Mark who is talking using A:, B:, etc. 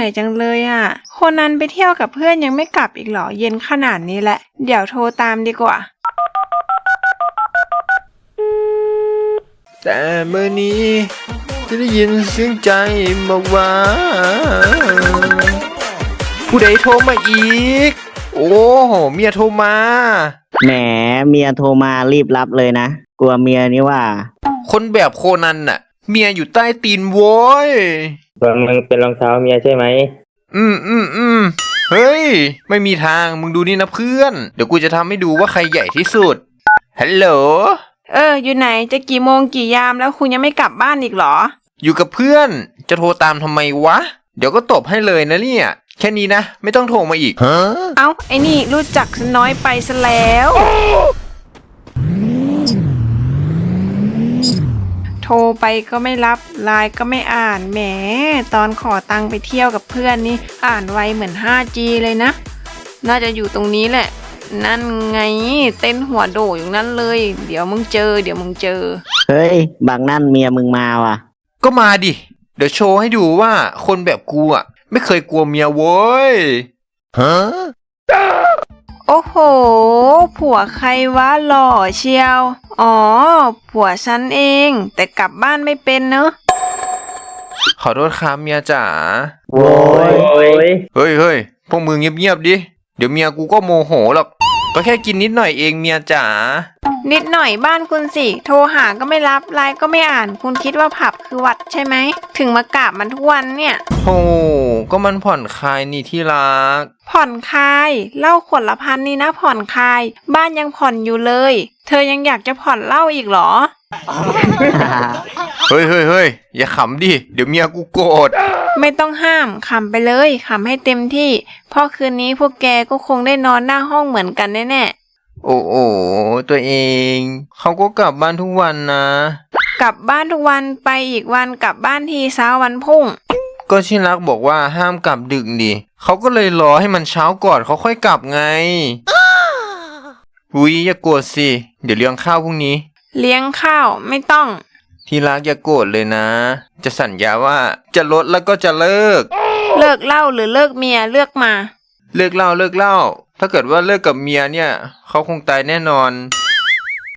A: จังเลยอ่ะคนนั้นไปเที่ยวกับเพื่อนยังไม่กลับอีกเหรอเย็นขนาดนี้แหละเดี๋ยวโทรตามดีกว่า
B: แต่เมื่อนี้จะได้ยินเสียงใจบอกว่าผู้ใดโทรมาอีกโอ้เมียโทรมา
C: แหมเมียโทรมารีบรับเลยนะกลัวเมียนี่ว่า
B: คนแบบโคนันน่ะเมียอยู่ใต้ตีนโว้ย
D: มึงเป็นรองเท้าเมียใช่ไหม
B: เฮ้ยไม่มีทางมึงดูนี่นะเพื่อนเดี๋ยวกูจะทำให้ดูว่าใครใหญ่ที่สุดฮัลโหล
A: อยู่ไหนจะกี่โมงกี่ยามแล้วคุณยังไม่กลับบ้านอีกเหรอ
B: อยู่กับเพื่อนจะโทรตามทำไมวะเดี๋ยวก็ตบให้เลยนะเนี่ยแค่นี้นะไม่ต้องโทรมาอีก
A: เอ้าไอ้นี่รู้จักฉันน้อยไปซะแล้วโทรไปก็ไม่รับไลน์ก็ไม่อ่านแหมตอนขอตังค์ไปเที่ยวกับเพื่อนนี่อ่านไวเหมือน 5G เลยนะน่าจะอยู่ตรงนี้แหละนั่นไงเต้นหัวโดอยู่นั้นเลยเดี๋ยวมึงเจอ
C: เฮ้ยบางนั่นเมียมึงมาว่ะ
B: ก็มาดิเดี๋ยวโชว์ให้ดูว่าคนแบบกูอ่ะไม่เคยกลัวเมียโว้ย
A: โอ้โหผัวใครวะหล่อเชียวอ๋อผัวฉันเองแต่กลับบ้านไม่เป็นเนอะ
B: ขอโทษครับเมียจ๋า
D: โว้ย
B: เฮ้ยพวกมึงเงียบๆดิเดี๋ยวเมียกูก็โมโหหรอกก็แค่กินนิดหน่อยเองเมียจ๋า
A: นิดหน่อยบ้านคุณสิโทรหาก็ไม่รับไลน์ก็ไม่อ่านคุณคิดว่าผับคือวัดใช่ไหมถึงมากราบมันทุกวันเนี่ย
B: โอ้ก็มันผ่อนคลายนี่ที่รัก
A: ผ่อนคลายเหล้าขวดละ1,000นี่นะผ่อนคลายบ้านยังผ่อนอยู่เลยเธอยังอยากจะผ่อนเหล้าอีกเหรอ
B: เฮ้ยอย่าขำดิเดี๋ยวเมียกูโกรธ
A: ไม่ต้องห้ามขำไปเลยขำให้เต็มที่เพราะคืนนี้พวกแกก็คงได้นอนหน้าห้องเหมือนกันแน่
B: ๆโอ้ตัวเองเขาก็กลับบ้านทุกวันนะ
A: กลับบ้านทุกวันไปอีกวันกลับบ้านทีเช้าวันพุ่ง
B: ก็ชิรักบอกว่าห้ามกลับดึกดิเขาก็เลยรอให้มันเช้าก่อนเขาค่อยกลับไงอุ๊ยอย่าโกรธสิเดี๋ยวเลี้ยงข้าวพรุ่งนี้
A: เลี้ยงข้าวไม่ต้อง
B: ที่รักอย่าโกรธเลยนะจะสัญญาว่าจะลดแล้วก็จะเลิก
A: เหล้าหรือเลิกเมียเลือกมา
B: เลิกเหล้าถ้าเกิดว่าเลิกกับเมียเนี่ยเขาคงตายแน่นอน